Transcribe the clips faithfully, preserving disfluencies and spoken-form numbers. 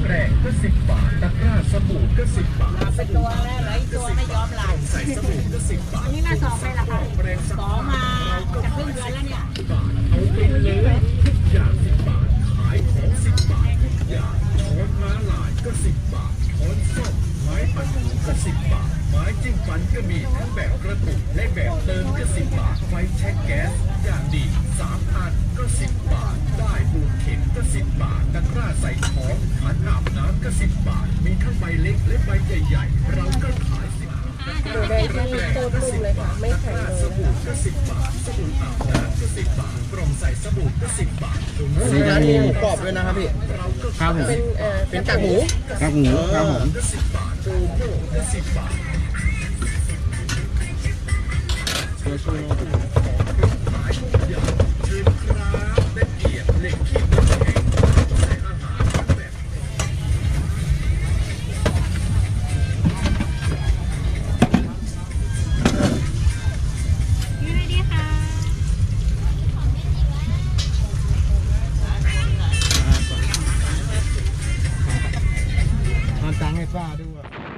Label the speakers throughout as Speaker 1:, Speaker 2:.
Speaker 1: แกรงก็สิบบาทตะกร้าสบู่ก็สิบบาท
Speaker 2: ลาไปตัวแล้วเหลืออีกตัวไม่ยอมลา
Speaker 1: ใส่สบู่ก็สิบบาท
Speaker 2: อันนี้มาสองไปละค่ะสองมาจะครึ่งเดือนแล้วเนี่ย
Speaker 1: เอาไปเลยทุกอย่างสิบบาทขายของสิบบาททุกอย่างช้อนม้าลายก็สิบบาทช้อนส้อมไม้ปัดหูก็สิบบาทไม้จิ้มฟันก็มีทั้งแบบกระตุกและแบบเติมก็สิบบาทไฟแช็กแก๊สอย่างดีสามอันก็สิบบาทได้บูดเข็มก็สิบบาทตะกร้าใส่ของขันอาบน้ำก็สิบบาทมีทั้งใบเล็กและใบใหญ่ๆเราก็ขายสิบบาท
Speaker 3: ดูได้ที่โคตรลุ่มเลยค่ะ ไม่แข็งเลย
Speaker 1: สบู่ก็สิบบาทสบู่อาบน้ำก็สิบบาทกล่องใส่สบู่ก็สิบบาท
Speaker 4: อันนี้จะมีหมูกรอบด้วยนะครับพี่ครับผม
Speaker 3: เป็นเอ่อ
Speaker 4: เป็นกากหมูกากหมูครับผม
Speaker 1: ก็สิบบาทโกโก้ก็สิบบาทขายทุกอย่างเชิญครับได้เกียรติเหล็กขีดน้ำแข็งใส่อาหารแบบ
Speaker 2: นี่เลยดีค่ะ
Speaker 4: มาตังให้ป้าด้วย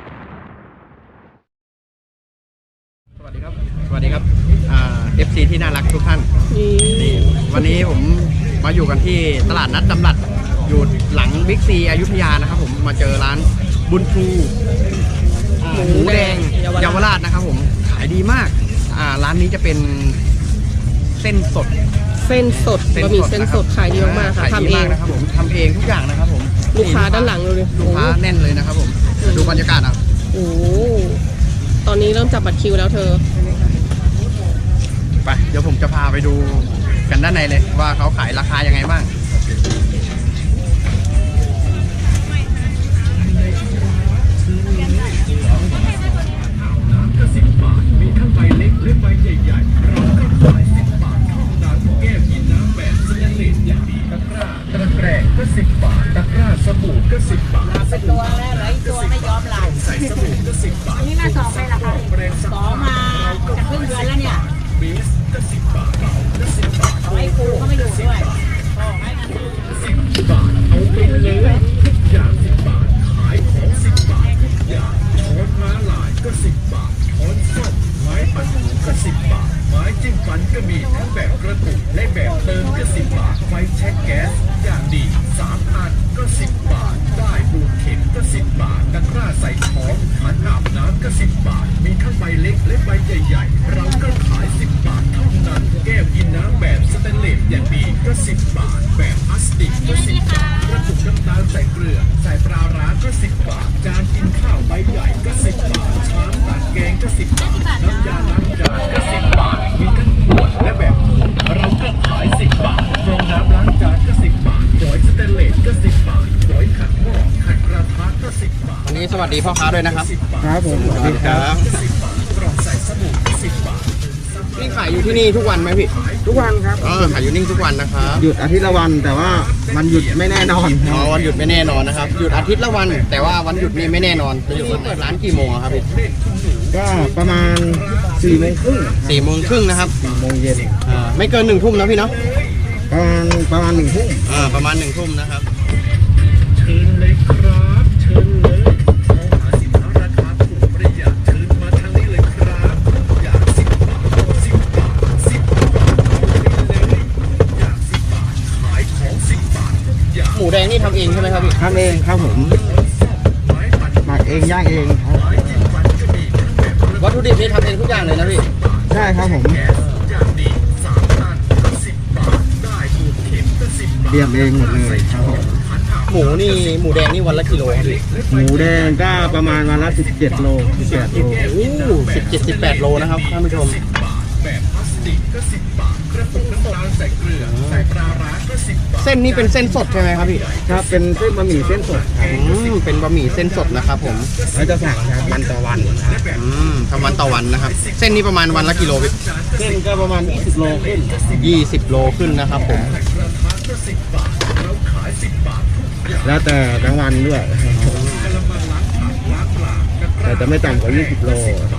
Speaker 4: สวัสดีครับสวัสดีครับอ่า เอฟ ซี ที่น่ารักทุกท่าน
Speaker 3: นี่
Speaker 4: นี่วันนี้ผมมาอยู่กันที่ตลาดนัดจำรัดอยู่หลังบิ๊กซีอยุธยานะครับผมมาเจอร้านบุญชูอ่าหมูแดงเยาวราชนะครับผมขายดีมากอ่าร้านนี้จะเป็นเส้นสด
Speaker 3: เส้นสดบะหมี่เส้นสดขายดีมากๆค่ะ
Speaker 4: ขาย
Speaker 3: ทำ
Speaker 4: ดี
Speaker 3: เอ
Speaker 4: มาง กนะครับผมทำเองทุกอย่างนะครับผม
Speaker 3: ลูกค้าด้านหลังดูดิ
Speaker 4: ลูกค้าแน่นเลยนะครับผมดูบรรยากาศอ่ะ
Speaker 3: โอ้โหตอนนี้เริ่มจับบัตรคิวแล้วเธอ
Speaker 4: ไปเดี๋ยวผมจะพาไปดูกันด้านในเลยว่าเขาขายราคายังไงบ้าง
Speaker 1: ก็สิบบาทมีทั้งใบเล็กและใบใหญ่ๆเราก็ขายสิบบาทเท่านั้นแก้วกินน้ำแบบสแตนเลสอย่างดีตะกร้าตะแกรงก็สิบบาทตะกร้าสบู่ก็สิบบาท
Speaker 2: ลาไปตัวแล้วเหลืออีกตัวไม่ยอมลา
Speaker 1: ใส่สบู่ก็สิบบาท
Speaker 2: อันนี้มาสองไปละค่ะสองมาจะครึ่งเดือนแล้วเนี่ย
Speaker 1: เบสก็สิบบาทเบาก็สิบบาท
Speaker 2: ไอ้ครูเขาไม่อยู่ด้วยพ่อให้กัน
Speaker 1: สิบบาทเอาไปเลยทุกอย่างสิบบาทขายของสิบบาททุกอย่างช้อนม้าลายก็สิบบาทช้อนส้อมไม้ปัดหูก็สิบบาทไม้จิ้มฟันก็มีทั้งแบบกระตุกและแบบเติมก็สิบบาทไฟแช็กแก๊สอย่างดีสามอันก็สิบบาทได้บูดเข็มก็สิบบาทตะกร้าใส่ของขันอาบน้ำก็สิบบาทมีทั้งใบเล็กและใบใหญ่ๆเราก็ขายสิบบาทเท่านั้นแก้วกินน้ำแบบสแตนเลสอย่างดีก็สิบบาทแบบพลาสติกก็สิบบาทกระปุกน้ำตาลใส่เกลือใส่ปลาร้าก็สิบบาทจานกินข้าวใบใหญ่ก็สิบบาทชามตักแกงก็สิบบาทน้ำยาล้างจานก็สิบบาทมีทั้งขวดและแบบถุงเราก็ขายสิบบาทฟองน้ำล้างจานก็สิบบาทฝอยสแตนเลสก็สิบบาทฝอยขัดหม้อขัดกระทะก็สิบบาท
Speaker 4: วันนี้สวัสดีพ่อค้าด้วยนะครับ
Speaker 1: ครับผม
Speaker 4: สวัสดีครับ
Speaker 1: สิบบาทกล่องใส่สบู่สิบบาท
Speaker 4: นี่ขายอยู่ที่นี่ทุกวันไหมพี่
Speaker 5: ทุกวันครับ
Speaker 4: เออขายอยู่นี่ทุกวันนะครับ
Speaker 5: หยุดอาทิตย์ละวันแต่ว่ามันหยุดไม่แน่นอน
Speaker 4: อ๋อวันหยุดไม่แน่นอนนะครับหยุดอาทิตย์ละวัน แต่ว่าวันหยุดนี่ไม่แน่นอนจะอยู่เปิดร้านกี่โมงอะครับพี่
Speaker 5: ก็ประมาณสี่โมงครึ่ง
Speaker 4: สี่โมงครึ่งนะครับ
Speaker 5: สี่โมงเย็น
Speaker 4: อ่าไม่เกินหนึ่งทุ่มนะพี่เนาะ
Speaker 5: ประมาณประมาณหนึ่งทุ่ม
Speaker 4: อ่าประมาณหนึ่งทุ่มนะครับ
Speaker 1: เชิญเลยครับเชิญเลยมองหาสินค้าราคาถูกประหยัดเชิญมาทางนี้เลยครับอยากสิบบาทสิบบาทสิบบาทเอาไปเลยอยากสิบบาทขายของสิบบาททุกอย่าง
Speaker 4: หมูแดงนี่ทำเองใช่ไหมครับพี่
Speaker 5: ทำเองครับผมหมักเองย่างเองครับ
Speaker 4: วัตถุดิบนี่ทำเองทุกอย่างเลยนะพี่
Speaker 5: ใช่ครับผม
Speaker 1: แก๊สอย่างดีสามอันก็สิบบาทได้บูดเข็มก็สิบบาท
Speaker 5: เตรียมเองหมดเลยครับผม
Speaker 4: หมูนี่หมูแดงนี่วันละกิโลครับพี่
Speaker 5: หมูแดงก็ประมาณวันละสิบเจ็ดโลสิบแปดโล
Speaker 4: โอ้สิบเจ็ดสิบแปดโลนะครับท่านผู้ชม
Speaker 1: แบบพลาสติกก็สิบบาทกระปุกน้ำตาลใส่เกลือใส่ปลาร้าก็สิบบาท
Speaker 4: เส้นนี้เป็นเส้นสดใช่ไหมครับพี่
Speaker 5: ครับเป็นเส้นบะหมี่เส้นสดครับ
Speaker 4: อืมเป็นบะหมี่เส้นสดนะครับผม
Speaker 5: เราจะสั่งครับวันต่อวันครับ
Speaker 4: อืมทำวันต่อวันนะครับ เส้นนี้ประมาณวันละกิโลพี่
Speaker 5: เส้นก็ประมาณยี่สิบโลขึ้น
Speaker 4: ยี่สิบโลขึ้นนะครับผม
Speaker 5: แล้วแต่กลางวันด้วยแต่จะไม่ต่ำกว่ายี่สิบโล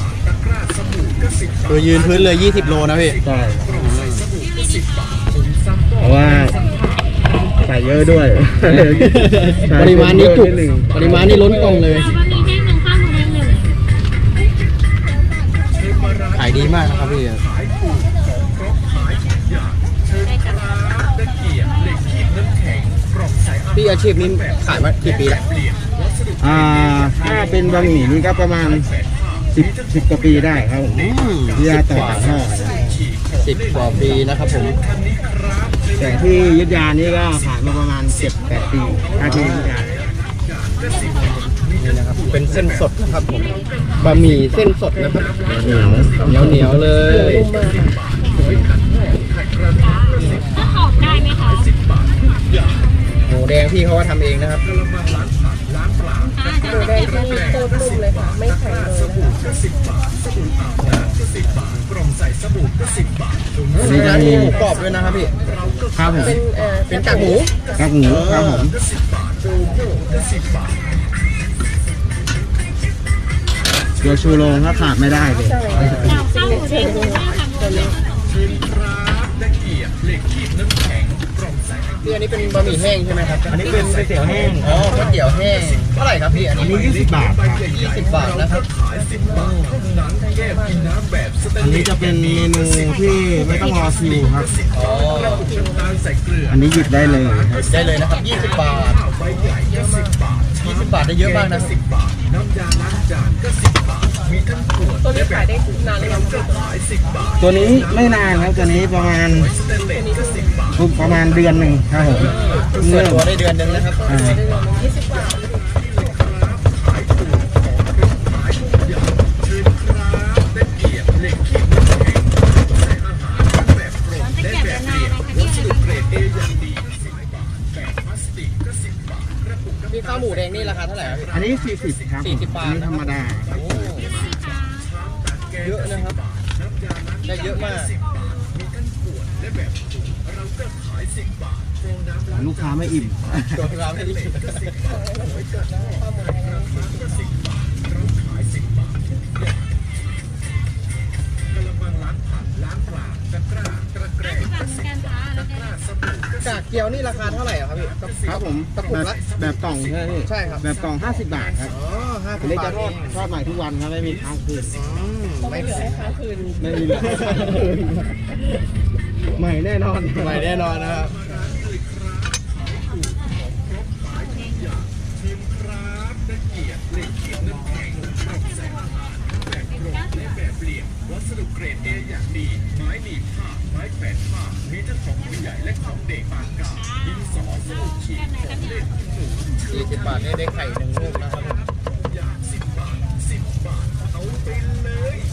Speaker 4: ตัวยืนพื้นเลยยี่สิบโลนะพี่
Speaker 5: ใช่เพราะว่าใส่เยอะด้วย
Speaker 4: ปริมาณนี้จุกปริมาณนี้ล้นกล่องเลย
Speaker 2: บะหมี่แห้งหนึ่งข้าวหมูแดงหนึ่ง
Speaker 4: ขายดีมากนะครับพี่
Speaker 1: ขายถูกของครบขายทุกอย่างเชิญครับตะเกียบเหล็กขีดน้ำแข็งกล่องใส่อาหาร
Speaker 4: พี่อาชีพนี้ขายมากี่ปีแล้ว
Speaker 1: เปลี่ยนวัสดุ
Speaker 5: อ่าถ้าเป็นบะหมี่นี่ก็ประมาณสิบสิบกว่าปีได้ครับผม
Speaker 4: อืม
Speaker 5: ที่ยาต่อจากห่อ
Speaker 4: สิบกว่าปีนะครับผม
Speaker 5: แต่ที่อยุทธยานี่ก็ขายมาประมาณเจ็ดแปดปีถ้าที่อยุธยา
Speaker 4: นี่นะครับ เป็นเส้นสดนะครับผม บะหมี่เส้นสดนะครับ
Speaker 5: เหนียว
Speaker 4: เหนียวเหนียวๆเลย
Speaker 2: ถ้าขอบได้ไหมคะ
Speaker 4: หมูแดงพี่เขาว่าทำเองนะครับ
Speaker 2: อ่าจะได้เก็บเลย
Speaker 3: โคตรนุ่มเลยค่ะ ไม่แข็งเลย
Speaker 1: สบู่ก็สิบบาทสบู่อาบน้ำก็สิบบาทกล่องใส่สบู่ก็สิบบาทถุง
Speaker 4: มีร้านหมูกรอบด้วยนะครับพี่
Speaker 5: ครับผม
Speaker 3: เป็นเอ่อ
Speaker 4: เป็นกากหมู
Speaker 5: ครับหมูครับผม
Speaker 1: ก็สิบบาทโดโก้ก็สิบบาท
Speaker 5: ตัวชูโรงก็ขาดไม่ได้เลย
Speaker 2: ข้าวหมูแดงหนึ่งข้าวขาหมูแดง
Speaker 1: เชิญครับตะเกียบเหล็กขีดน้ำแข็งกล่องใส่อาหาร
Speaker 4: พี่อันนี้เป็นบะหมี่แห้งใช่ไหมครับ
Speaker 5: อันนี้เป็นก๋วยเตี๋ยวแห้ง
Speaker 4: อ๋อก๋วยเตี๋ยวแห้ง เท่าไหร่ครับพี่ อัน
Speaker 5: อัน
Speaker 4: นี้
Speaker 5: นี้ยี่สิบบาทครับ
Speaker 4: ยี่สิบบาทนะครับ
Speaker 1: ขายสิบบาทเท่านั้นแก้วกินน้ำแบบสแตน
Speaker 5: อัน
Speaker 1: เล
Speaker 5: นี้
Speaker 1: ส
Speaker 5: จะเป็นเมนูที่ไม่ต้องรอคิวครับ
Speaker 4: อ๋อ
Speaker 1: น้ำตาลใส่เกลือ
Speaker 5: อันนี้หยิบได้เลยครับ
Speaker 4: ได้เลยนะครับยี่สิบบาท
Speaker 1: ใบใหญ่ก็สิบบาท
Speaker 4: ยี่สิบบาทได้เยอะมากนะ
Speaker 1: สิบบาทน้ำยาล้างจานก็สิบบาทมีทั้งขวด
Speaker 3: ตัวนี้ขายได้นานหรือยัง
Speaker 1: ก็ขายสิบบาท
Speaker 5: ตัวนี้ไม่นานครับตัวนี้ประมาณ
Speaker 1: สแตนเลสก็สิบบาท
Speaker 5: ประมาณเดือนหนึ่งครับผม
Speaker 4: เปิ
Speaker 5: เริ่
Speaker 4: ด
Speaker 5: ม
Speaker 4: ตัวได้เดือนหนึงนะครับ
Speaker 5: อ่า
Speaker 3: ยี่สิบบาท
Speaker 1: ขายถูกของขายทุกอย่างเชิญครับตะเกียบเหล็กขีดน้ำแข็งใส่อาหารทั้งแบบโปร่งและแบบเปลี่ยนวัสดุเกรดเออย่างดีสิบบาทแบบพลาสติกก็สิบบาทกระปุกน้ำ
Speaker 4: พี่ข้าวหมูแดงนี่ราคาเท่าไหร่ครับพี่
Speaker 5: อันนี้สี่สิบครับ
Speaker 4: สี่สิบบาท
Speaker 5: อันนี้ธรรมดา
Speaker 4: โอ้เยอะนะครับ ได้เยอะมาก
Speaker 1: มีทั้งขวดและแบบถุงเราก็ขายสิบบาทโปรน้ำล้าง
Speaker 5: ลูกค้าไม่อิ่ม
Speaker 4: ตัวเราไม่ได้
Speaker 1: ก็สิบบาทไว้กันข้าวหมูราคาก็สิบบาทเราขายสิบบาททุกอย่างกระมังล้างผักล้างปลาตะกร้าตะแกรงก็สิบบาทตะกร้าสบู่ก็
Speaker 4: กากเกี๊ยวนี่ราคาเท่าไหร่อะครับพี่
Speaker 5: ครับผม
Speaker 4: กระปุกละ
Speaker 5: แบบกล่องใช่ไหมพี่
Speaker 4: ใช่ครับ
Speaker 5: แบบกล่องห้าสิบบาทครับ
Speaker 4: อ๋อห้าสิ
Speaker 5: อั
Speaker 4: บ
Speaker 5: นนี้
Speaker 4: บา
Speaker 5: จะ
Speaker 4: ท
Speaker 5: ทอดทอดใหม่ทุกวันครับไม่มีค้างคืน
Speaker 4: อืม
Speaker 3: ไม่เหลือให้ค้างคืน
Speaker 5: ไม่มีเหลือใหม่แน่นอน
Speaker 4: ใหม่แน่นอนนะครับ
Speaker 1: ชิมครับตะเกียบเหล็กขีดน้ำแข็งกล่องใส่อาหารแบบกรอบและแบบเปลี่ยนวัสดุเกรดเออย่างดี ไม้หนีบผ้าไม้แขวนผ้ามีทั้งของผู้ใหญ่และของเด็กปานกลางดินสอสมุดขีดของเล่นหนู
Speaker 4: ยี่สิบบาทนี่ได้ไข่หนึ่งลูกนะครับผม
Speaker 1: อย่างสิบบาทสิบบาทเอาไปเลย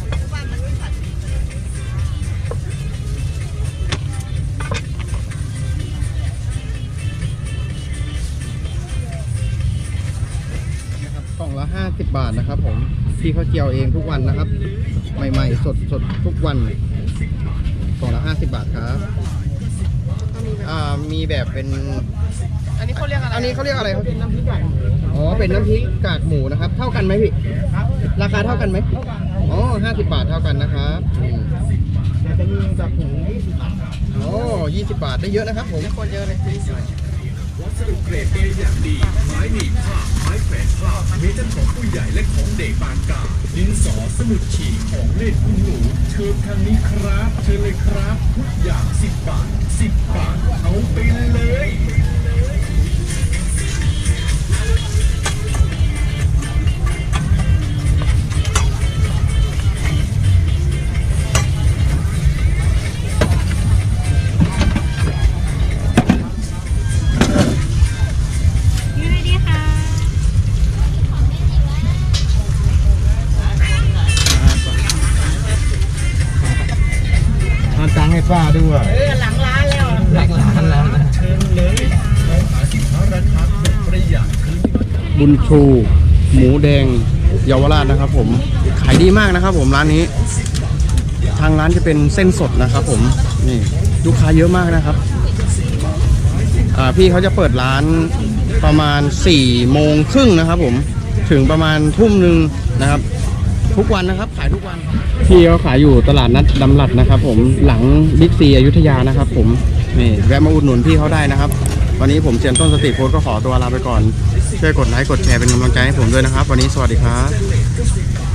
Speaker 4: นะครับกล่องละห้าสิบบาทนะครับผมพี่เขาเจียวเองทุกวันนะครับ ใหม่ๆสดสดๆทุกวันกล่องละห้าสิบบาทครับอ่ามีแบบเป็น
Speaker 3: อันนี้เขาเรียกอะไร
Speaker 4: อันนี้เขาเรียกอะไรครับเป็นน้ำพริกกากหมูอ๋อเป็นน้ำพริกกากหมูนะครับ เท่ากันไหมพี่ราคาเท่ากันไหมอ๋อห้าสิบบาทเท่ากันนะครับอืม
Speaker 5: แต่จะมีแบบถุงยี่สิบบาท
Speaker 4: โอ้ยี่สิบบาทได้เยอะนะครับผมคนเยอะเลย
Speaker 1: วัสดุเกรดเออย่างดี ไม้หนีบผ้าไม้แขวนผ้ามีทั้งของผู้ใหญ่และของเด็กปานกลางดินสอสมุดขีดของเล่นคุณหนูเชิญทางนี้ครับ เชิญเลยครับ ทุกอย่างสิบบาทสิบบาทเอาไปเลย
Speaker 2: นี่เลยดีค่ะ
Speaker 5: ทานตังค์ให้ป้าด้วย
Speaker 2: เออหลังร้านแล้ว
Speaker 5: หลักล้านแล้วนะ
Speaker 1: เชิญเลยเราหาสินค้าราคาถูกประหยัดคืน
Speaker 4: บุญชูหมูแดงเยาวราชนะครับผมขายดีมากนะครับผมร้านนี้ ทางร้านจะเป็นเส้นสดนะครับผมนี่ลูกค้าเยอะมากนะครับอ่าพี่เขาจะเปิดร้านประมาณสี่โมงครึ่งนะครับผมถึงประมาณทุ่มหนึ่งนะครับ ทุกวันนะครับขายทุกวันพี่เขาขายอยู่ตลาดนัดดำรัดนะครับผมหลังบิ๊กซีอยุธยานะครับผมนี่แวะมาอุดหนุนพี่เขาได้นะครับวันนี้ผมเซียนต้นสติโพสต์ก็ขอตัวลาไปก่อนช่วยกดไลค์กดแชร์เป็นกำลังใจให้ผมด้วยนะครับวันนี้สวัสดีครับ